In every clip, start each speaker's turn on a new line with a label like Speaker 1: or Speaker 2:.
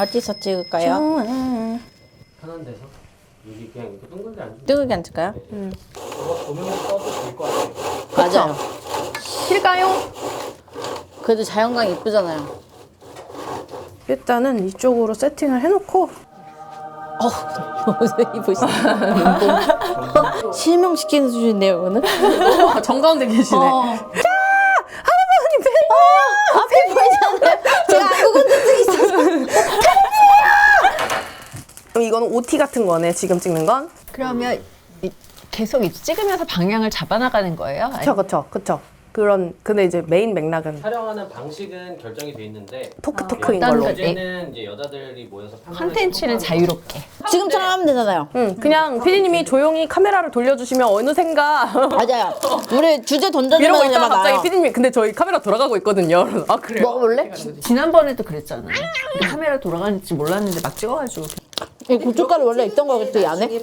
Speaker 1: 어디서 찍을까요?
Speaker 2: 편한 데서 여기 그냥 이렇게 둥글게 앉으면
Speaker 1: 뜨겁게 앉을까요?
Speaker 2: 저거 보면서 써도 될 것 같아요.
Speaker 1: 맞아요.
Speaker 3: 실까요?
Speaker 1: 그래도 자연광 이쁘잖아요.
Speaker 3: 일단은 이쪽으로 세팅을 해놓고
Speaker 1: 옷을 입으시네. 실명시키는 수준인데요, 이거는?
Speaker 3: 정가운데 계시네.
Speaker 1: 앞에 보이잖아요. 제가 알고 건진 적이 있어서.
Speaker 3: 이거는 OT 같은 거네, 지금 찍는 건.
Speaker 4: 그러면 계속 찍으면서 방향을 잡아나가는 거예요?
Speaker 3: 그쵸. 근데 이제 메인 맥락은
Speaker 2: 촬영하는 방식은 결정이 돼 있는데
Speaker 3: 토크인
Speaker 4: 어떤
Speaker 3: 걸로.
Speaker 4: 거?
Speaker 2: 주제는 이제 여자들이 모여서
Speaker 4: 컨텐츠는 자유롭게.
Speaker 1: 지금처럼 하면 되잖아요.
Speaker 3: 그냥 피디님이 조용히 카메라를 돌려주시면 어느샌가
Speaker 1: 맞아요. 우리 주제 던져주면
Speaker 3: 이러고 있다가
Speaker 1: 그냥
Speaker 3: 갑자기
Speaker 1: 나요.
Speaker 3: 피디님이 근데 저희 카메라 돌아가고 있거든요. 아 그래요?
Speaker 1: 먹어볼래?
Speaker 4: 지난번에도 그랬잖아. 카메라 돌아가는지 몰랐는데 막 찍어가지고.
Speaker 1: 이 고춧가루 원래 있던 거겠죠, 이 안에?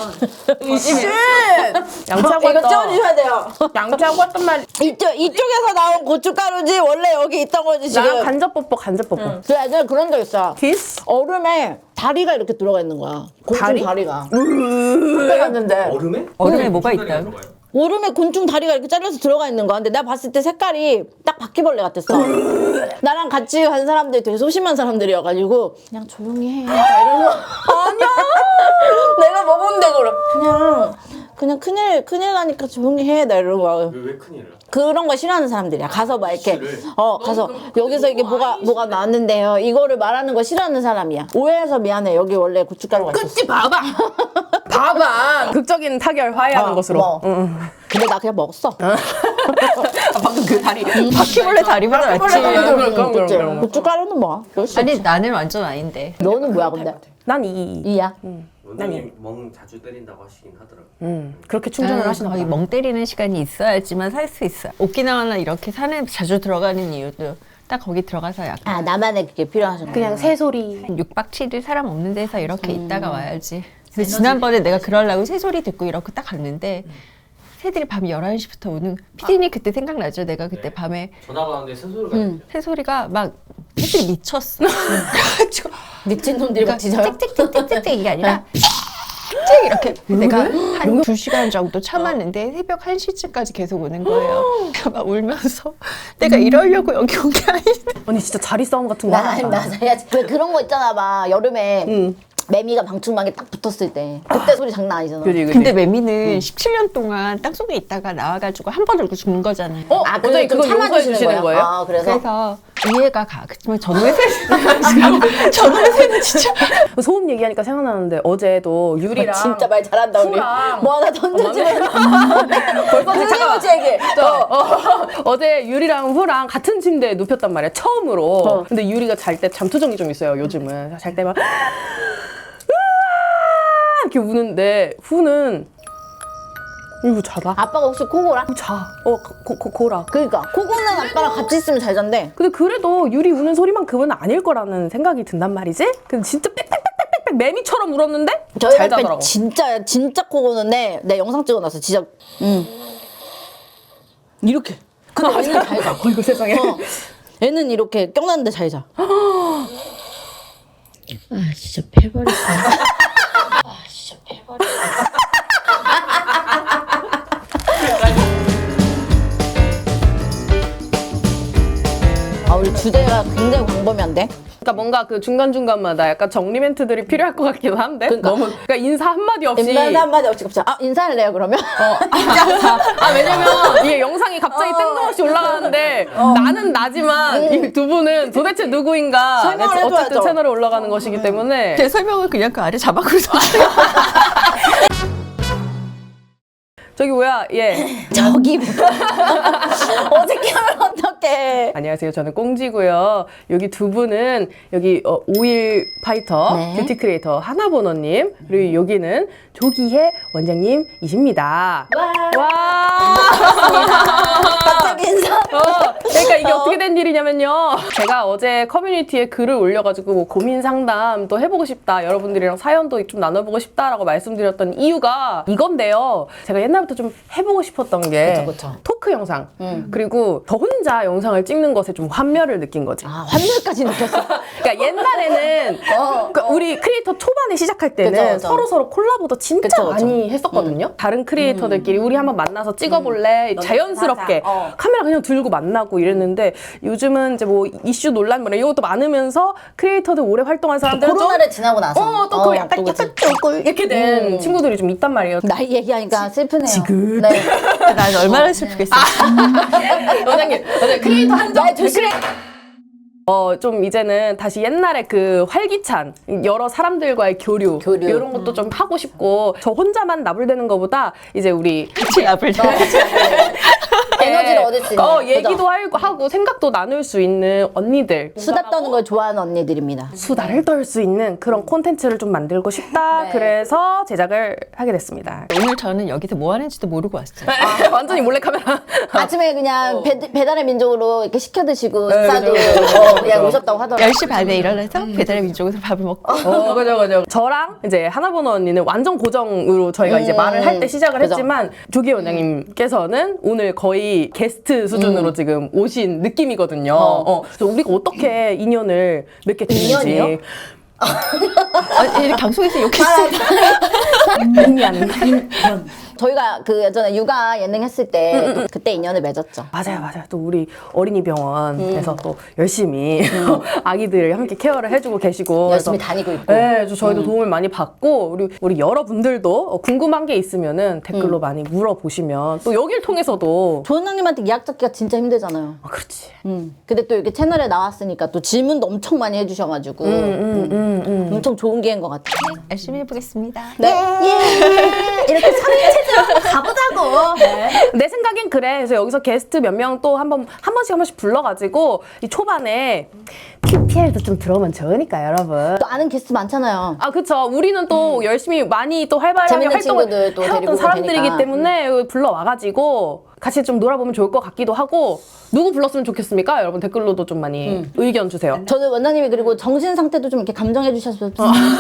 Speaker 3: 양치하고
Speaker 1: 이거
Speaker 3: 왔다.
Speaker 1: 찍어주셔야 돼요.
Speaker 3: 양치하고 왔단 말이야.
Speaker 1: 이쪽에서 나온 고춧가루지 원래 여기 있던 거지, 지금.
Speaker 3: 나랑 간접 뽀뽀.
Speaker 1: 그 예전에 그런 적 있어.
Speaker 3: 키스?
Speaker 1: 얼음에 다리가 이렇게 들어가 있는 거야. 곤충
Speaker 3: 다리?
Speaker 1: 다리가. 그때 갔는데
Speaker 2: 얼음에?
Speaker 4: 얼음에 뭐가 있다?
Speaker 2: 들어가요?
Speaker 1: 얼음에 곤충 다리가 이렇게 잘려서 들어가 있는 거야. 근데 내가 봤을 때 색깔이 딱 바퀴벌레 같았어. 나랑 같이 간 사람들이 되게 소심한 사람들이어가지고 그냥 조용히 해. 막 이러면서 아니야. 내가 먹었는데 그냥 큰일 나니까 조용히 해. 나 이러는 거야.
Speaker 2: 왜 큰일을?
Speaker 1: 그런 거 싫어하는 사람들이야. 가서 막 이렇게
Speaker 2: 실을?
Speaker 1: 가서 여기서 이게 뭐가 나왔는데요. 이거를 말하는 거 싫어하는 사람이야. 오해해서 미안해. 여기 원래 고춧가루가 있었어.
Speaker 3: 끝이 봐봐. 극적인 타결 화해하는 것으로.
Speaker 1: 뭐. 근데 나 그냥 먹었어.
Speaker 3: 방금 그 다리.
Speaker 4: 바퀴벌레 다리보다 낫지.
Speaker 3: 그럼.
Speaker 1: 고춧가루는 뭐야?
Speaker 4: 아니 나는 완전 아닌데.
Speaker 1: 너는 뭐야 근데?
Speaker 3: 난 이.
Speaker 1: 이야.
Speaker 2: 원장님 멍 자주 때린다고 하시긴 하더라고요.
Speaker 3: 그렇게 충전을 하시나
Speaker 4: 거의
Speaker 3: 봐.
Speaker 4: 멍 때리는 시간이 있어야지만 살 수 있어. 오키나와나 이렇게 산에 자주 들어가는 이유도 딱 거기 들어가서 약간
Speaker 1: 아 나만의 그게 필요하신
Speaker 3: 그냥 새소리.
Speaker 4: 6박 7일 사람 없는 데서 이렇게 있다가 와야지. 근데 지난번에 내가 그러려고 새소리 듣고 이렇게 딱 갔는데 새들이 밤 11시부터 오는 피디님 그때 생각나죠? 내가 그때 밤에
Speaker 2: 전화 받았는데 새소리가 들려.
Speaker 4: 새소리가 막 새들이 미쳤어. 그래가지고
Speaker 1: 미친 놈들이 막 짖어요?
Speaker 4: 짹짹짹짹짹 이게 아니라 짹짹 이렇게 내가 한 2시간 정도 참았는데 새벽 1시쯤까지 계속 오는 거예요. 그래서 막 울면서 내가 이러려고 여기 온 게 아닌데
Speaker 3: 언니 진짜 자리 싸움 같은 거 하나.
Speaker 1: 맞아. 왜 그런 거 있잖아 막 여름에 매미가 방충망에 딱 붙었을 때 그때 소리 장난 아니잖아.
Speaker 3: 그지.
Speaker 4: 근데 매미는 17년 동안 땅속에 있다가 나와가지고 한 번 울고 죽는 거잖아요.
Speaker 1: 아
Speaker 3: 원장님
Speaker 1: 좀
Speaker 3: 그걸 용서해
Speaker 1: 참아주시는
Speaker 3: 주시는 거예요?
Speaker 1: 아 그래서
Speaker 4: 이해가 가. 그렇지만 전월세는 진짜
Speaker 3: 소음 얘기하니까 생각나는데 어제도 유리랑
Speaker 1: 진짜 말 잘한다 우리.
Speaker 3: 후랑
Speaker 1: 뭐 하나 던져주면
Speaker 3: 벌써 잠깐만.
Speaker 1: 얘기.
Speaker 3: 어제 유리랑 후랑 같은 침대에 눕혔단 말이야 처음으로. 근데 유리가 잘 때 잠투정이 좀 있어요 요즘은. 잘 때 막 이렇게 우는데 후는 이거 자다.
Speaker 1: 아빠가 혹시 코골아?
Speaker 3: 자. 고라.
Speaker 1: 그러니까 코골는 아빠랑 같이 있으면 잘 잔대.
Speaker 3: 근데 그래도 유리 우는 소리만큼은 아닐 거라는 생각이 든단 말이지? 근데 진짜 빽빽빽빽빽 매미처럼 울었는데
Speaker 1: 저희
Speaker 3: 잘
Speaker 1: 남편
Speaker 3: 자더라고.
Speaker 1: 진짜 코고는데 내 영상 찍어놨어. 진짜 이렇게. 근데 얘는 잘 자.
Speaker 3: 어이구 세상에.
Speaker 1: 얘는 이렇게 껴놨는데 잘 자. 아 진짜 패버렸어. 아 우리 주제가 굉장히 광범위한데?
Speaker 3: 그러니까 뭔가 그 중간중간마다 약간 정리 멘트들이 필요할 것 같기도 한데 그러니까 인사 한마디 없이
Speaker 1: 인사 한마디 없이 갑자기 인사할래요 그러면?
Speaker 3: 왜냐면 이게 영상이 갑자기 뜬금없이 올라가는데 나는 나지만 이 두 분은 도대체 누구인가
Speaker 1: 설명을
Speaker 3: 어쨌든
Speaker 1: 해줘야죠.
Speaker 3: 채널에 올라가는 것이기 때문에
Speaker 4: 제 설명을 그냥 그 아래 자막으로
Speaker 3: 저기 뭐야
Speaker 1: 저기 어떻게 하면 어떡해.
Speaker 3: 안녕하세요. 저는 꽁지고요. 여기 두 분은 여기 오일 파이터
Speaker 1: 네.
Speaker 3: 뷰티 크리에이터 하나보너님 그리고 여기는 조기혜 원장님이십니다. 와.
Speaker 1: 갑자기 인사.
Speaker 3: 그러니까 이게 어떻게 된 일이냐면요. 제가 어제 커뮤니티에 글을 올려가지고 뭐 고민 상담 또 해보고 싶다. 여러분들이랑 사연도 좀 나눠보고 싶다라고 말씀드렸던 이유가 이건데요. 제가 옛날부터 좀 해보고 싶었던 게
Speaker 1: 그쵸.
Speaker 3: 토크 영상 그리고 저 혼자 영상을 찍는 것에 좀 환멸을 느낀 거지.
Speaker 1: 아 환멸까지 느꼈어.
Speaker 3: 그러니까 옛날에는 그 우리 크리에이터 초반에 시작할 때는
Speaker 1: 그쵸, 그쵸.
Speaker 3: 서로 콜라보도 진짜
Speaker 1: 그쵸, 그쵸.
Speaker 3: 많이 했었거든요. 다른 크리에이터들끼리 우리 한번 만나서 찍어볼래? 자연스럽게
Speaker 1: 사자.
Speaker 3: 카메라 그냥 들고 만나고 이랬는데 요즘은 이제 뭐 이슈 논란 뭐 이것도 많으면서 크리에이터들 오래 활동한 사람들은
Speaker 1: 코로나를 지나고 나서
Speaker 3: 또 그 약간
Speaker 1: 또 그치.
Speaker 3: 쪼글 이렇게 된 친구들이 좀 있단 말이에요.
Speaker 1: 나이 얘기하니까 슬프네요.
Speaker 3: 지긋.
Speaker 1: 네.
Speaker 4: 난 얼마나 슬프겠어.
Speaker 3: 원장님 크리에이터 한정
Speaker 1: 네, 조심해.
Speaker 3: 좀 이제는 다시 옛날에 그 활기찬 여러 사람들과의 교류. 이런 것도 좀 하고 싶고 저 혼자만 나불대는 것보다 이제 우리
Speaker 4: 같이 나불 때.
Speaker 1: 에너지를 얻을 수 있는.
Speaker 3: 얘기도 하고 생각도 나눌 수 있는 언니들
Speaker 1: 수다 떠는 걸 좋아하는 언니들입니다.
Speaker 3: 수다를 떨 수 있는 그런 콘텐츠를 좀 만들고 싶다.
Speaker 1: 네.
Speaker 3: 그래서 제작을 하게 됐습니다.
Speaker 4: 오늘 저는 여기서 뭐 하는지도 모르고 왔어요.
Speaker 3: 완전히 몰래카메라.
Speaker 1: 아침에 그냥 배달의 민족으로 이렇게 시켜 드시고
Speaker 3: 네,
Speaker 1: 식사도 그냥 오셨다고 하더라고요.
Speaker 4: 10시 반에 일어나서 배달의 민족에서 밥을 먹고
Speaker 3: 그죠. 저랑 이제 하나번호 언니는 완전 고정으로 저희가 이제 말을 할 때 시작을
Speaker 1: 그죠.
Speaker 3: 했지만 조기 원장님께서는 오늘 거의 게스트 수준으로 지금 오신 느낌이거든요. 그래서 우리가 어떻게 인연을 맺게 됐는지.
Speaker 1: 인연이요?
Speaker 4: 이 방송에서 욕했어요.
Speaker 1: 저희가 그 예전에 육아 예능 했을 때 또 그때 인연을 맺었죠.
Speaker 3: 맞아요. 또 우리 어린이 병원에서 또 열심히 아기들을 함께 케어를 해주고 계시고
Speaker 1: 열심히
Speaker 3: 그래서
Speaker 1: 다니고 있고.
Speaker 3: 네, 그래서 저희도 도움을 많이 받고 우리 여러분들도 궁금한 게 있으면은 댓글로 많이 물어보시면 또 여길 통해서도
Speaker 1: 조원장님한테 예약 잡기가 진짜 힘들잖아요.
Speaker 3: 그렇지.
Speaker 1: 근데 또 이렇게 채널에 나왔으니까 또 질문도 엄청 많이 해주셔가지고 엄청 좋은 기회인 것 같아요.
Speaker 4: 열심히 해보겠습니다.
Speaker 1: 네. 예. 이렇게 선행체제로 가보자고. 네.
Speaker 3: 내 생각엔 그래. 그래서 여기서 게스트 몇 명 또 한 번씩 불러가지고 이 초반에 PPL도 좀 들어오면 좋으니까 여러분.
Speaker 1: 또 아는 게스트 많잖아요.
Speaker 3: 아 그쵸. 우리는 또 열심히 많이 또 활발하게
Speaker 1: 재밌는
Speaker 3: 활동을
Speaker 1: 친구들 또 데리고
Speaker 3: 해왔던
Speaker 1: 오면
Speaker 3: 사람들이기
Speaker 1: 되니까.
Speaker 3: 때문에 불러와가지고 같이 좀 놀아보면 좋을 것 같기도 하고 누구 불렀으면 좋겠습니까? 여러분 댓글로도 좀 많이 의견 주세요.
Speaker 1: 저는 원장님이 그리고 정신 상태도 좀 이렇게 감정해 주셨으면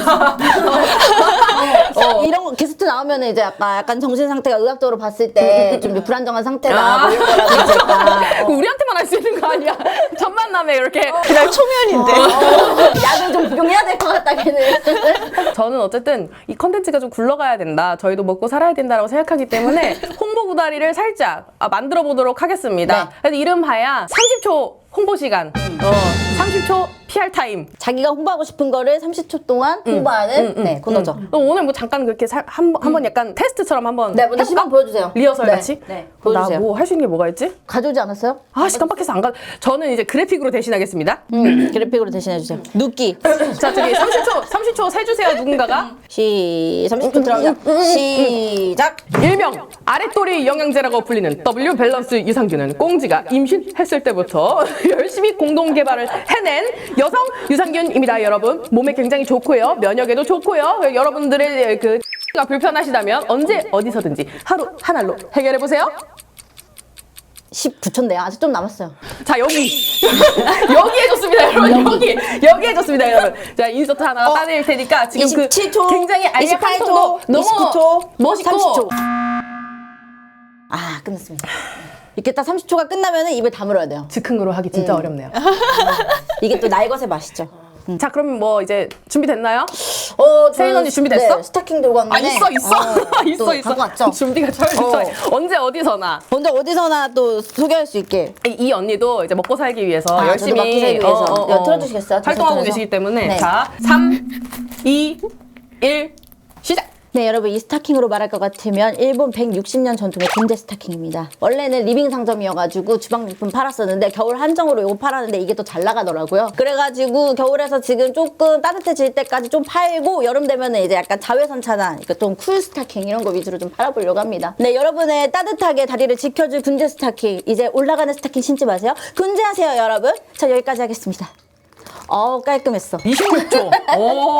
Speaker 1: 이런 거 게스트 나오면 이제 약간 정신 상태가 의학적으로 봤을 때 좀 불안정한 상태다 뭐 이런 거라든지
Speaker 3: 그거 우리한테만 할 수 있는 거 아니야? 첫 만남에 이렇게
Speaker 4: 그날 초면인데.
Speaker 1: 약을 좀 복용해야 될 것 같다 걔는.
Speaker 3: 저는 어쨌든 이 컨텐츠가 좀 굴러가야 된다. 저희도 먹고 살아야 된다라고 생각하기 때문에 홍보 구다리를 살짝 만들어 보도록 하겠습니다.
Speaker 1: 네.
Speaker 3: 그래서 이름하야 30초 홍보 시간. 30초 PR 타임.
Speaker 1: 자기가 홍보하고 싶은 거를 30초 동안 홍보하는 네, 코너죠.
Speaker 3: 오늘 뭐 잠깐 그렇게 한번 약간 테스트처럼 한번
Speaker 1: 네, 먼저 시범 보여주세요.
Speaker 3: 리허설
Speaker 1: 네,
Speaker 3: 같이?
Speaker 1: 네, 보여주세요.
Speaker 3: 나 뭐 할 수 있는 게 뭐가 있지?
Speaker 1: 가져오지 않았어요?
Speaker 3: 아씨 깜빡해서 안 가. 저는 이제 그래픽으로 대신하겠습니다.
Speaker 1: 그래픽으로 대신해 주세요. 눕기.
Speaker 3: 자 저기 30초 세주세요 누군가가.
Speaker 1: 30초 들어가자. 시작.
Speaker 3: 일명 아랫도리 영양제라고 불리는 W 밸런스 유산균은 꽁지가 임신했을 때부터 열심히 공동 개발을 해낸 여성 유산균입니다. 여러분 몸에 굉장히 좋고요, 면역에도 좋고요. 여러분들의 가 불편하시다면 언제 어디서든지 하루 한 알로 해결해 보세요.
Speaker 1: 19초인데요. 아직 좀 남았어요.
Speaker 3: 자 여기 여기 해줬습니다 여러분. 여기 해줬습니다 여러분. 자 인서트 하나 따낼 테니까 지금
Speaker 1: 27초,
Speaker 3: 굉장히 알약한
Speaker 1: 28초,
Speaker 3: 톤도 너무
Speaker 1: 29초,
Speaker 3: 멋있고
Speaker 1: 30초. 아, 끝났습니다. 이렇게 딱 30초가 끝나면 입을 다물어야 돼요.
Speaker 3: 즉흥으로 하기 진짜 어렵네요.
Speaker 1: 이게 또 나의 것의 맛이죠.
Speaker 3: 자 그럼 뭐 이제 준비됐나요?
Speaker 1: 저
Speaker 3: 세인 언니 준비됐어?
Speaker 1: 네, 스타킹 들고 왔는데.
Speaker 3: 있어
Speaker 1: 또
Speaker 3: 있어
Speaker 1: 갖고 왔죠?
Speaker 3: 준비가 철저해. 언제 어디서나
Speaker 1: 먼저 어디서나 또 소개할 수 있게.
Speaker 3: 이 언니도 이제 먹고 살기 위해서
Speaker 1: 저도
Speaker 3: 열심히
Speaker 1: 먹고 살기 위해서. 야, 틀어주시겠어요?
Speaker 3: 활동하고
Speaker 1: 들어서.
Speaker 3: 계시기 때문에
Speaker 1: 네.
Speaker 3: 자 3, 2, 1 시작.
Speaker 1: 네, 여러분 이 스타킹으로 말할 것 같으면 일본 160년 전통의 군대 스타킹입니다. 원래는 리빙 상점이어가지고 주방용품 팔았었는데 겨울 한정으로 이거 팔았는데 이게 또 잘 나가더라고요. 그래가지고 겨울에서 지금 조금 따뜻해질 때까지 좀 팔고 여름 되면은 이제 약간 자외선 차단, 그러니까 좀 쿨 스타킹 이런 거 위주로 좀 팔아보려고 합니다. 네, 여러분의 따뜻하게 다리를 지켜줄 군대 스타킹, 이제 올라가는 스타킹 신지 마세요. 군대하세요, 여러분. 자, 여기까지 하겠습니다. 깔끔했어.
Speaker 3: 26초. 오.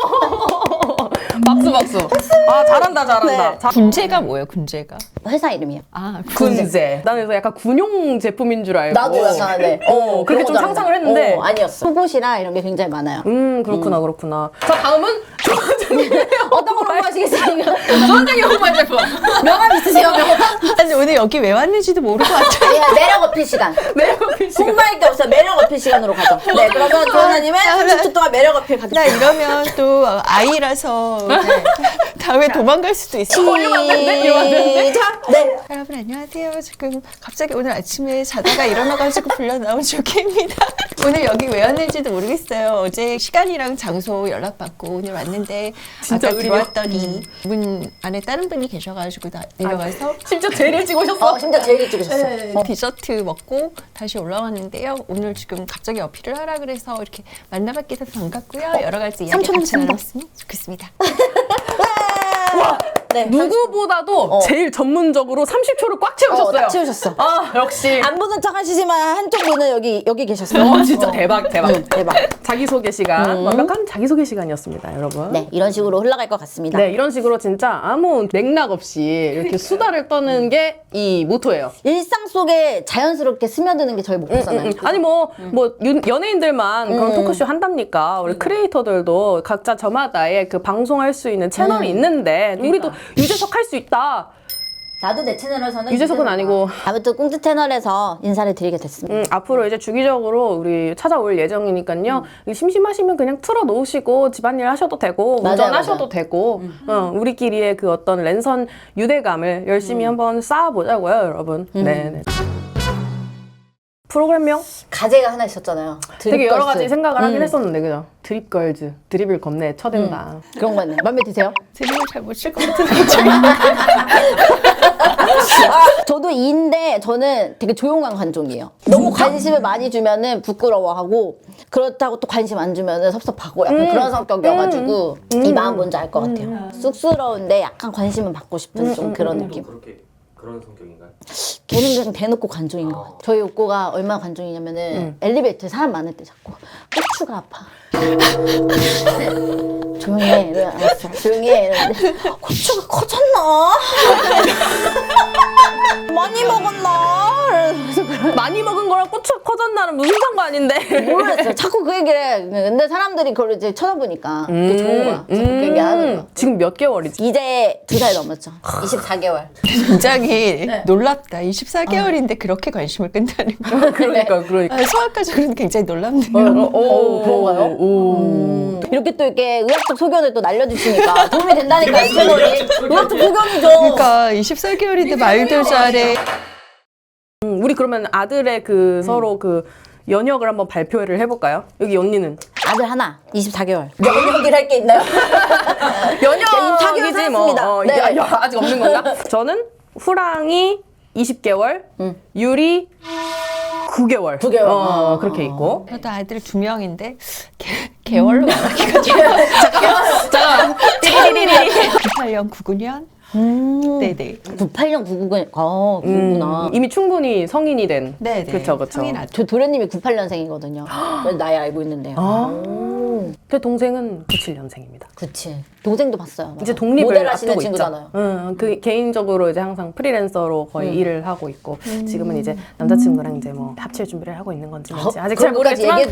Speaker 3: 박수. 아 잘한다.
Speaker 1: 네.
Speaker 4: 군제가 뭐예요? 군제가.
Speaker 1: 회사 이름이요.
Speaker 4: 아
Speaker 3: 군제. 나는 그래서 약간 군용 제품인 줄 알고.
Speaker 1: 나도 약간 네.
Speaker 3: 그렇게 좀 상상을 했는데.
Speaker 1: 아니었어. 속옷이랑 이런 게 굉장히 많아요.
Speaker 3: 그렇구나. 자 다음은
Speaker 1: 어떤 걸 홍보하시겠습니까?
Speaker 3: 조원장님 홍보할 제품.
Speaker 1: 명함 있으세요, 명함?
Speaker 4: 아니 오늘 여기 왜 왔는지도 모르고 왔죠.
Speaker 1: 예, 매력 어필 시간.
Speaker 3: 매력 어필 시간.
Speaker 1: 홍보할 게 없어요. 매력 어필 시간으로 가죠. 네, 그러면 조원장님의 30초 동안 매력 어필
Speaker 4: 나
Speaker 1: 가겠습니다.
Speaker 4: 이러면 또 아이라서 다음에 도망갈 수도 있어.
Speaker 3: 이러면 안 되는데? 이러면 안 되는데?
Speaker 1: 시작! 네.
Speaker 4: 여러분 안녕하세요. 지금 갑자기 오늘 아침에 자다가 일어나가지고 불려 나온 조개입니다. 오늘 여기 왜 왔는지도 모르겠어요. 어제 시간이랑 장소 연락받고 오늘 왔는데
Speaker 3: 진짜
Speaker 4: 아까
Speaker 3: 의리요?
Speaker 4: 들어왔더니 문 안에 다른 분이 계셔가지고 내려가서
Speaker 3: 심지어 제일 일찍 오셨어.
Speaker 1: 진짜 제일 일찍 오셨어.
Speaker 4: 디저트 먹고 다시 올라왔는데요. 오늘 지금 갑자기 어필을 하라 그래서 이렇게 만나뵙게 돼서 반갑고요. 여러 가지 이야기
Speaker 1: 삼촌
Speaker 4: 같이
Speaker 1: 삼촌.
Speaker 4: 나눴으면 좋겠습니다.
Speaker 1: 네.
Speaker 3: 누구보다도 제일 전문적으로 30초를 꽉 채우셨어요.
Speaker 1: 딱 채우셨어.
Speaker 3: 아, 역시.
Speaker 1: 안 보는 척 하시지만 한쪽 분은 여기 계셨어요.
Speaker 3: 진짜 대박.
Speaker 1: 대박.
Speaker 3: 자기소개 시간. 완벽한 자기소개 시간이었습니다, 여러분.
Speaker 1: 네, 이런 식으로 흘러갈 것 같습니다.
Speaker 3: 네, 이런 식으로 진짜 아무 맥락 없이 이렇게 수다를 떠는 게 이 모토예요.
Speaker 1: 일상 속에 자연스럽게 스며드는 게 저희 목표잖아요.
Speaker 3: 아니 연예인들만 그런 토크쇼 한답니까? 우리 크리에이터들도 각자 저마다의 그 방송할 수 있는 채널이 있는데 우리도 유재석 할 수 있다.
Speaker 1: 나도 내 채널에서는
Speaker 3: 유재석은 아니고.
Speaker 1: 아무튼 꽁트 채널에서 인사를 드리게 됐습니다.
Speaker 3: 앞으로 이제 주기적으로 우리 찾아올 예정이니까요. 심심하시면 그냥 틀어 놓으시고 집안일 하셔도 되고
Speaker 1: 맞아요,
Speaker 3: 운전하셔도
Speaker 1: 맞아요.
Speaker 3: 되고 우리끼리의 그 어떤 랜선 유대감을 열심히 한번 쌓아보자고요, 여러분. 네. 프로그램명
Speaker 1: 가제가 하나 있었잖아요.
Speaker 3: 되게 여러 가지
Speaker 1: 드립걸스.
Speaker 3: 생각을 하긴 했었는데 그죠? 드립걸즈, 드립을 겁내 쳐댄다.
Speaker 1: 그런 거 있네. 맘에 드세요?
Speaker 4: 제목을 잘 못 칠 것 같은데.
Speaker 1: 저도 2인데 저는 되게 조용한 관종이에요. 너무 관심을 많이 주면은 부끄러워하고 그렇다고 또 관심 안 주면은 섭섭하고 약간 그런 성격이어가지고 이 마음 뭔지 알 것 같아요. 쑥스러운데 약간 관심은 받고 싶은 좀 그런 느낌.
Speaker 2: 그런 성격인가요?
Speaker 1: 걔는 그냥 대놓고 관종인 것 같아요. 저희 옥고가 얼마나 관종이냐면은 엘리베이터에 사람 많을 때 자꾸 고추가 아파. 조용히 해. 이래. 알았어. 조용히 해. 이러는데 고추가 커졌나? 많이 먹었나? 그래서
Speaker 3: 많이 먹은 거랑 고추 커졌나는 무슨 상관인데?
Speaker 1: 모르겠어요. 자꾸 그 얘기를 해. 근데 사람들이 그걸 이제 쳐다보니까 그게 좋은 거야. 자꾸 그 얘기하는 거야.
Speaker 3: 지금 몇 개월이지?
Speaker 1: 이제 2살 넘었죠. 24개월.
Speaker 4: 굉장히 놀랍다. 24개월인데 그렇게 관심을 끈다는 거.
Speaker 3: 그러니까.
Speaker 4: 소아과적으로는 굉장히 놀랍네요.
Speaker 1: 그런가요? 이렇게 또 이렇게 의학적 소견을 또 날려주시니까 도움이 된다니까요, 채널이. 의학적 소견이죠.
Speaker 4: 그러니까 24개월인데 말도 잘해.
Speaker 3: 우리 그러면 아들의 그 서로 그 연역을 한번 발표를 해볼까요? 여기 언니는
Speaker 1: 아들 하나, 24개월. 연역이라 할 게 있나요?
Speaker 3: 연역이지 뭐.
Speaker 1: 살았습니다. 네.
Speaker 3: 아직 없는 건가? 저는 후랑이 20개월, 유리 9개월.
Speaker 1: 9개월.
Speaker 3: 그렇게 있고.
Speaker 4: 저도 아들 2명인데 개월로 말하기가
Speaker 3: 자,
Speaker 4: 98년, 99년. 네네.
Speaker 1: 98년 99년. 그렇구나.
Speaker 3: 이미 충분히 성인이 된.
Speaker 4: 네네.
Speaker 3: 그쵸.
Speaker 4: 성인 아들.
Speaker 1: 저 도련님이 98년생이거든요. 나이 알고 있는데요.
Speaker 3: 제 동생은 97년생입니다.
Speaker 1: 그치. 동생도 봤어요. 맞아.
Speaker 3: 이제 독립을
Speaker 1: 모델 하시는
Speaker 3: 앞두고
Speaker 1: 친구잖아요.
Speaker 3: 있죠. 그 개인적으로 이제 항상 프리랜서로 거의 일을 하고 있고 지금은 이제 남자친구랑 이제 뭐 합칠 준비를 하고 있는 건지 뭔지 아직 잘
Speaker 1: 그런 것까지
Speaker 3: 모르겠지만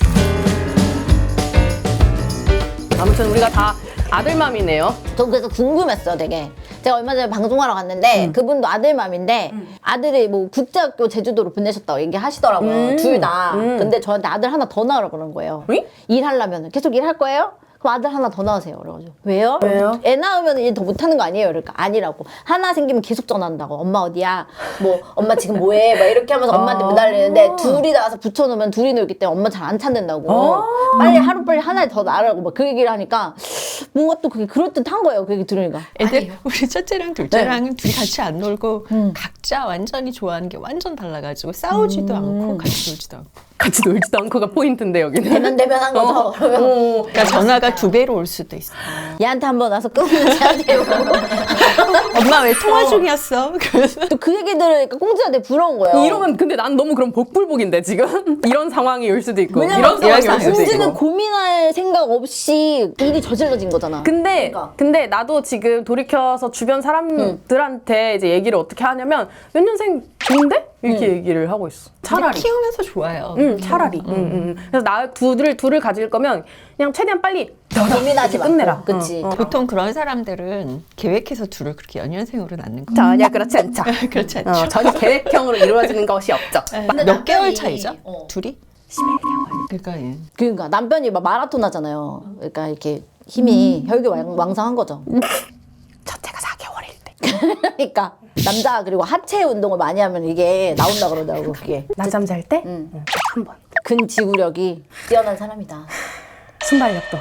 Speaker 1: 얘기해-
Speaker 3: 아무튼 우리가 다 아들맘이네요.
Speaker 1: 저 그래서 궁금했어요, 되게. 제가 얼마 전에 방송하러 갔는데 그분도 아들맘인데 아들이 뭐 국제학교 제주도로 보내셨다고 얘기하시더라고요. 둘 다. 근데 저한테 아들 하나 더 낳으라고 그런 거예요.
Speaker 3: 응?
Speaker 1: 일하려면 계속 일할 거예요? 그럼 아들 하나 더 낳으세요. 그래가지고 왜요?
Speaker 3: 왜요?
Speaker 1: 애 낳으면 일 더 못하는 거 아니에요? 그러니까 아니라고. 하나 생기면 계속 전화한다고. 엄마 어디야? 뭐 엄마 지금 뭐해? 막 이렇게 하면서 엄마한테 매달리는데 둘이 나와서 붙여놓으면 둘이 놀기 때문에 엄마 잘 안 찾는다고. 빨리 하루빨리 하나 더 낳으라고 막 그 얘기를 하니까 뭔가 또 그게 그럴듯한 거예요. 그 얘기 들으니까.
Speaker 4: 애들 우리 첫째랑 둘째랑은 둘이 같이 안 놀고 각자 완전히 좋아하는 게 완전 달라가지고 싸우지도 않고 같이 놀지도 않고.
Speaker 3: 같이 놀지도 않고가 포인트인데 여기는.
Speaker 1: 대면한 거죠. 그러면
Speaker 4: 그러니까 전화가 2배로 올 수도 있어.
Speaker 1: 얘한테 한번 와서 끊으면 쟤한테 오고.
Speaker 4: 엄마 왜 통화 중이었어? 그래서
Speaker 1: 또 그 얘기 들으니까 꽁지한테 부러운 거예요.
Speaker 3: 이러면 근데 난 너무 그럼 복불복인데 지금 이런 상황이 올 수도 있고
Speaker 1: 왜냐면
Speaker 3: 이런 상황이 올 수도
Speaker 1: 꽁지는
Speaker 3: 있고.
Speaker 1: 고민할 생각 없이 일이 저질러진 거잖아.
Speaker 3: 근데 나도 지금 돌이켜서 주변 사람들한테 이제 얘기를 어떻게 하냐면 몇 년생 좋은데? 이렇게 얘기를 하고 있어. 차라리.
Speaker 4: 키우면서 좋아요.
Speaker 3: 차라리. 그래서 나 둘을 가질 거면 그냥 최대한 빨리
Speaker 1: 고민하지
Speaker 3: 이렇게 끝내라.
Speaker 1: 그치.
Speaker 4: 보통 그런 사람들은 계획해서 둘을 그렇게 연년생으로 낳는 거.
Speaker 3: 전혀 그렇지 않죠.
Speaker 4: 그렇지 않죠.
Speaker 3: 전혀 계획형으로 이루어지는 것이 없죠.
Speaker 4: 몇 개월 차이죠? 둘이?
Speaker 3: 11개월.
Speaker 4: 그러니까 예.
Speaker 1: 그러니까 남편이 막 마라톤 하잖아요. 그러니까 이렇게 힘이 혈기 왕성한 거죠.
Speaker 3: 첫째가 4개월일 때.
Speaker 1: 그러니까 남자 그리고 하체 운동을 많이 하면 이게 나온다 그러더라고 그게.
Speaker 3: 낮잠 잘 때? 한 번.
Speaker 1: 근지구력이 뛰어난 사람이다.
Speaker 3: 순발력도.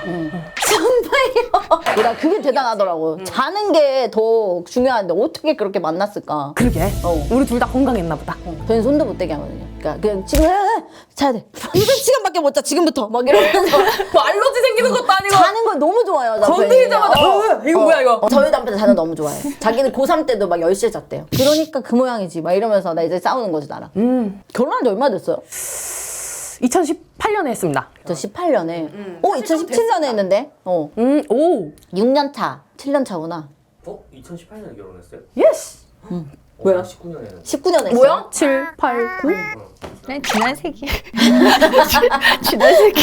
Speaker 1: 나 그게 대단하더라고. 자는 게 더 중요한데 어떻게 그렇게 만났을까?
Speaker 3: 그러게.
Speaker 1: 어.
Speaker 3: 우리 둘 다 건강했나 보다.
Speaker 1: 저는 손도 못 대게 하거든요. 그러니까 그냥 지금 자야 돼. 이번 시간밖에 못 자. 지금부터 막 이러면서
Speaker 3: 뭐 알러지 생기는 것도 아니고.
Speaker 1: 자는 걸 너무 좋아해요. 남편이.
Speaker 3: 건드리자마자 이거 뭐야 이거.
Speaker 1: 저희 남편 자는 너무 좋아해. 자기는 고3 때도 막 10시에 잤대요. 그러니까 그 모양이지. 막 이러면서 나 이제 싸우는 거지 나랑. 결혼한 지 얼마 됐어요?
Speaker 3: 2018년에 했습니다.
Speaker 1: 저 18년에. 2017년에 했는데.
Speaker 3: 오.
Speaker 1: 6년 차. 7년 차구나.
Speaker 2: 2018년에 결혼했어요?
Speaker 3: 예스.
Speaker 1: 뭐야?
Speaker 2: 19년에는
Speaker 1: 19년에 했어요.
Speaker 3: 뭐야? 7, 8, 9.
Speaker 4: 그냥 지난 세기. 지난 세기.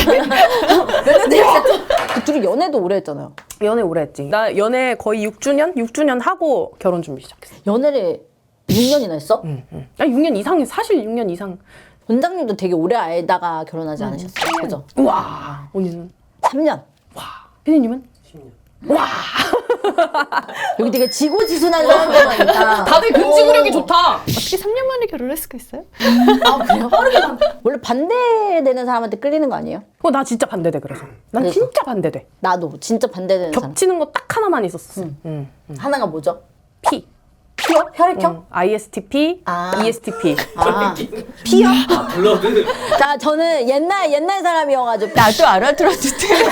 Speaker 1: 그 둘이 연애도 오래 했잖아요.
Speaker 3: 연애 오래 했지. 나 연애 거의 6주년 하고 결혼 준비 시작했어.
Speaker 1: 연애를 6년이나 했어?
Speaker 3: 나 6년 이상이 사실 6년 이상.
Speaker 1: 원장님도 되게 오래 알다가 결혼하지 않으셨어요? 그죠?
Speaker 3: 우와. 언니는
Speaker 1: 3년.
Speaker 3: 피디님은?
Speaker 2: 10년.
Speaker 1: 여기 되게 지고지순한 사람들이니까.
Speaker 3: 다들 근지구력이 좋다.
Speaker 4: 어떻게 3년 만에 결혼할 수가 있어요?
Speaker 1: 아, 그래요? 원래 반대되는 사람한테 끌리는 거 아니에요?
Speaker 3: 나 진짜 반대돼 그래서. 난
Speaker 1: 그래서?
Speaker 3: 진짜 반대돼.
Speaker 1: 나도 진짜 반대되는 사람.
Speaker 3: 겹치는 거 딱 하나만 있었어.
Speaker 1: 하나가 뭐죠?
Speaker 3: P.
Speaker 1: 피요? 혈액형?
Speaker 3: ISTP,
Speaker 1: 아.
Speaker 3: ESTP.
Speaker 1: 아, 피요?
Speaker 2: 아 블러드.
Speaker 1: 자, 저는 옛날 사람이어가지고.
Speaker 4: 나도 알아들었는데.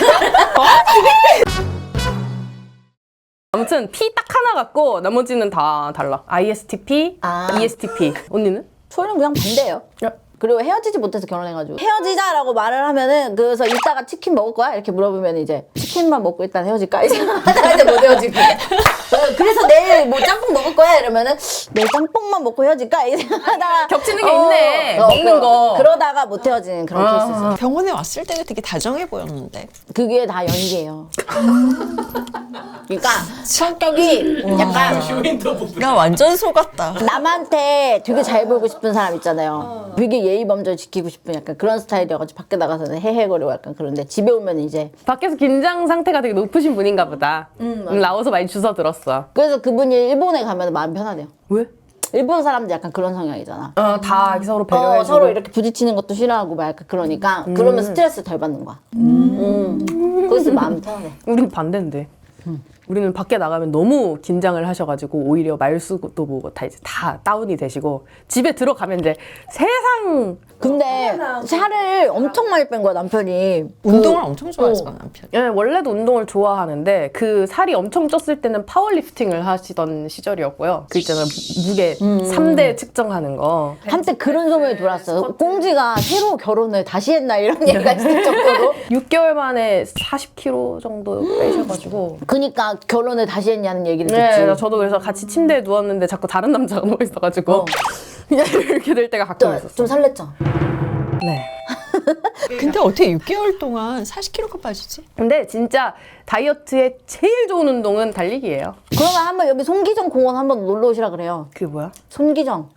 Speaker 3: 아무튼 P 딱 하나 갖고 나머지는 다 달라. ISTP,
Speaker 1: 아.
Speaker 3: ESTP. 언니는?
Speaker 1: 저는 그냥 반대예요. 그리고 헤어지지 못해서 결혼해가지고 헤어지자라고 말을 하면은 그래서 이따가 치킨 먹을 거야? 이렇게 물어보면 이제 치킨만 먹고 일단 헤어질까? 이 생각하다가 이제 못 헤어지고 그래서 내일 뭐 짬뽕 먹을 거야? 이러면은 내일 짬뽕만 먹고 헤어질까? 이 생각하다가
Speaker 3: 겹치는 게 있네. 먹는 거.
Speaker 1: 그러다가 못 헤어지는 그런 케이스였어요.
Speaker 4: 병원에 왔을 때가 되게 다정해 보였는데.
Speaker 1: 그게 다 연기예요. 그러니까 성격이 약간
Speaker 2: 쇼윈터 보드.
Speaker 4: 나 완전 속았다.
Speaker 1: 남한테 되게 잘 보이고 싶은 사람 있잖아요. 되게 예의 범절 지키고 싶은 약간 그런 스타일이어가지고 밖에 나가서는 헤헤거리고 약간 그런데 집에 오면 이제
Speaker 3: 밖에서 긴장 상태가 되게 높으신 분인가 보다. 나와서 많이 주워 들었어.
Speaker 1: 그래서 그분이 일본에 가면 마음 편하대요.
Speaker 3: 왜?
Speaker 1: 일본 사람들 약간 그런 성향이잖아.
Speaker 3: 다 이렇게 서로 배려해주고.
Speaker 1: 서로 이렇게 부딪히는 것도 싫어하고 막 약간 그러니까 그러면 스트레스 덜 받는 거야. 그래서 마음이 편하대.
Speaker 3: 우린 반대인데. 우리는 밖에 나가면 너무 긴장을 하셔가지고 오히려 말수도 뭐고 다 이제 다 다운이 되시고 집에 들어가면 이제 세상
Speaker 1: 근데 살을 엄청 많이 뺀 거야 남편이.
Speaker 4: 운동을 엄청 좋아하잖아, 남편이.
Speaker 3: 예, 원래도 운동을 좋아하는데 그 살이 엄청 쪘을 때는 파워리프팅을 하시던 시절이었고요. 그 있잖아요 무게 3대 측정하는 거.
Speaker 1: 한때 그런 소문이 돌았어요. 꽁지가 새로 결혼을 다시 했나 이런 얘기가 있을 정도로.
Speaker 3: 6개월 만에 40kg 정도 빼셔가지고.
Speaker 1: 그니까 결혼을 다시 했냐는 얘기를 듣지.
Speaker 3: 네, 저도 그래서 같이 침대에 누웠는데 자꾸 다른 남자가 누워 있어가지고 그냥 이렇게 될 때가 가끔
Speaker 1: 좀,
Speaker 3: 있었어.
Speaker 1: 좀 설렜죠.
Speaker 3: 네.
Speaker 4: 근데 어떻게 6개월 동안 40kg가 빠지지?
Speaker 3: 근데 진짜 다이어트에 제일 좋은 운동은 달리기예요.
Speaker 1: 그러면 한번 여기 손기정 공원 한번 놀러 오시라 그래요.
Speaker 3: 그게 뭐야?
Speaker 1: 손기정.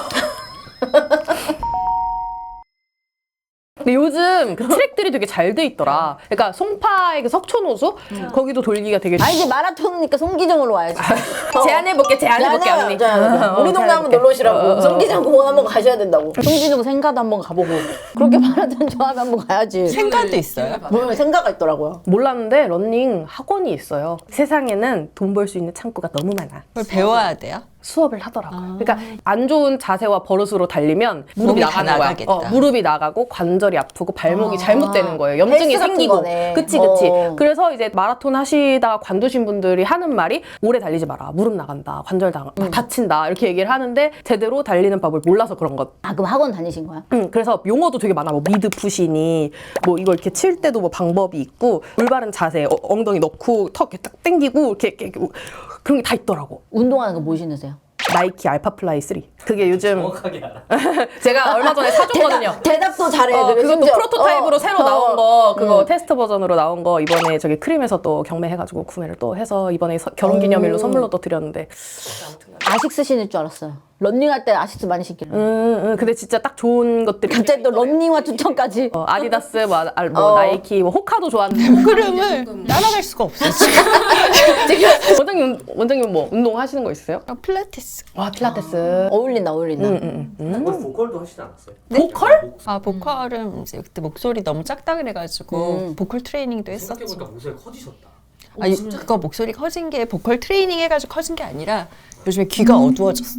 Speaker 3: 근데 요즘 그 트랙들이 되게 잘 돼 있더라. 그러니까 송파의 그 석촌호수 거기도 돌기가 되게.
Speaker 1: 아 이제 마라톤이니까 손기정으로 와야지.
Speaker 3: 제안해볼게 언니.
Speaker 1: 우리 동네 한번 놀러 오시라고. 손기정 공원 한번 가셔야 된다고. 손기정 생가도 한번 가보고. 그렇게 마라톤 좋아하면 한번 가야지.
Speaker 4: 생각도 있어요.
Speaker 1: 뭐 생가가 있더라고요.
Speaker 3: 몰랐는데 러닝 학원이 있어요. 세상에는 돈 벌 수 있는 창구가 너무 많아.
Speaker 4: 그걸 배워야 돼요?
Speaker 3: 수업을 하더라고요. 그러니까 안 좋은 자세와 버릇으로 달리면 무릎이
Speaker 4: 몸이 다
Speaker 3: 나가는 거야.
Speaker 4: 나가겠다.
Speaker 3: 무릎이 나가고 관절이 아프고 발목이 잘못되는 거예요. 염증이
Speaker 1: 헬스 같은
Speaker 3: 생기고.
Speaker 1: 거네.
Speaker 3: 그치. 그래서 이제 마라톤 하시다가 관두신 분들이 하는 말이 오래 달리지 마라. 무릎 나간다. 관절 다친다. 이렇게 얘기를 하는데 제대로 달리는 법을 몰라서 그런 것.
Speaker 1: 아 그럼 학원 다니신 거야?
Speaker 3: 그래서 용어도 되게 많아. 뭐 미드 푸시니 뭐 이걸 이렇게 칠 때도 뭐 방법이 있고 올바른 자세, 엉덩이 넣고 턱 이렇게 딱 당기고 이렇게 그런 게 다 있더라고.
Speaker 1: 운동하는 거 뭐 신으세요?
Speaker 3: 나이키 알파플라이 3. 그게 요즘
Speaker 2: 정확하게 알아.
Speaker 3: 제가 얼마 전에 사줬거든요.
Speaker 1: 대답도 잘해. 그리고
Speaker 3: 그것도
Speaker 1: 심지어.
Speaker 3: 프로토타입으로 새로 나온 거, 그거 테스트 버전으로 나온 거 이번에 저기 크림에서 또 경매해가지고 구매를 또 해서 이번에 결혼기념일로 선물로 또 드렸는데.
Speaker 1: 아식스 신을 줄 알았어요. 런닝할 때 아식스 많이 신기를.
Speaker 3: 근데 진짜 딱 좋은 것들이.
Speaker 1: 갑자기 또 런닝화 추천까지.
Speaker 3: 아디다스, 나이키, 호카도 좋아하는데.
Speaker 4: 그림을 따라갈 수가 없어 지금.
Speaker 3: 원장님 뭐 운동하시는 거 있어요?
Speaker 4: 필라테스.
Speaker 3: 와, 필라테스.
Speaker 1: 어울린다.
Speaker 2: 보컬도 하시지 않았어요?
Speaker 3: 보컬?
Speaker 4: 보컬은 이제 그때 목소리 너무 작다 그래가지고 보컬 트레이닝도 했었죠.
Speaker 2: 생각해보니까 목소리 커지셨다.
Speaker 4: 그거 목소리 커진 게 보컬 트레이닝 해가지고 커진 게 아니라 요즘에 귀가 어두워졌어.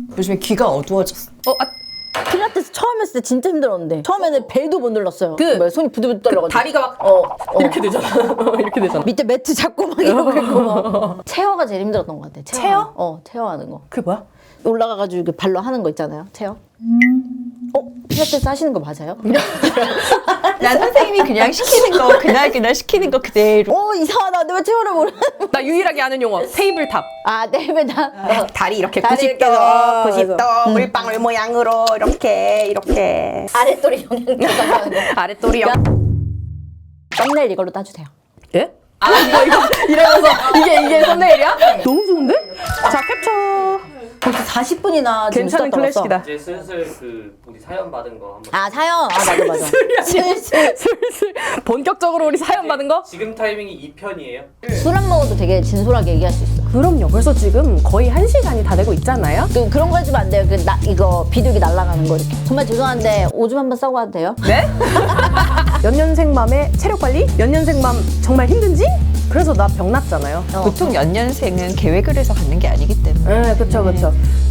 Speaker 1: 필라테스 처음 했을 때 진짜 힘들었는데 처음에는 배도 못 눌렀어요.
Speaker 3: 그-
Speaker 1: 뭐야, 손이 부들부들 떨려가지고.
Speaker 3: 다리가 막 이렇게 되잖아. 이렇게 되잖아.
Speaker 1: 밑에 매트 잡고 막 이러고 있고 막. 체어가 제일 힘들었던 것 같아.
Speaker 3: 체어?
Speaker 1: 체어하는 거.
Speaker 3: 그게 뭐야?
Speaker 1: 올라가가지고 이렇게 발로 하는 거 있잖아요. 체어. 필라테스 하시는 거 맞아요?
Speaker 4: 난 선생님이 그냥 시키는 거 그날 시키는 거 그대로.
Speaker 1: 이상하다. 근데 왜 체어를 모르는
Speaker 3: 나 유일하게 아는 용어 테이블탑.
Speaker 1: 네배다.
Speaker 3: 다리 이렇게
Speaker 1: 다리
Speaker 3: 90도,
Speaker 1: 이렇게
Speaker 3: 90도 물방울 모양으로 이렇게
Speaker 1: 아랫도리 영양 들어가는 거.
Speaker 3: 아랫도리
Speaker 1: 썸네일 이걸로 따주세요.
Speaker 3: 예? 이거 이러면서 이게 썸네일이야? 너무 좋은데? 자, 캡처.
Speaker 1: 벌써 40분이나
Speaker 3: 괜찮은 클래식이다.
Speaker 2: 이제 슬슬 우리 사연 받은 거 한번.
Speaker 1: 사연. 맞아.
Speaker 3: 슬슬 본격적으로 우리 사연 받은 거?
Speaker 2: 지금 타이밍이 2편이에요.
Speaker 1: 술 안 먹어도 되게 진솔하게 얘기할 수 있어.
Speaker 3: 그럼요. 벌써 지금 거의 1시간이 다 되고 있잖아요.
Speaker 1: 그런 거 해주면 안 돼요. 이거 비둘기 날아가는 거 이렇게. 정말 죄송한데 오줌 한번 싸고 와도 돼요?
Speaker 3: 네? 연년생 맘의 체력 관리? 연년생 맘 정말 힘든지? 그래서 나 병 났잖아요.
Speaker 4: 보통 연년생은 계획을 해서 갖는 게 아니기 때문에.
Speaker 3: 네, 그쵸.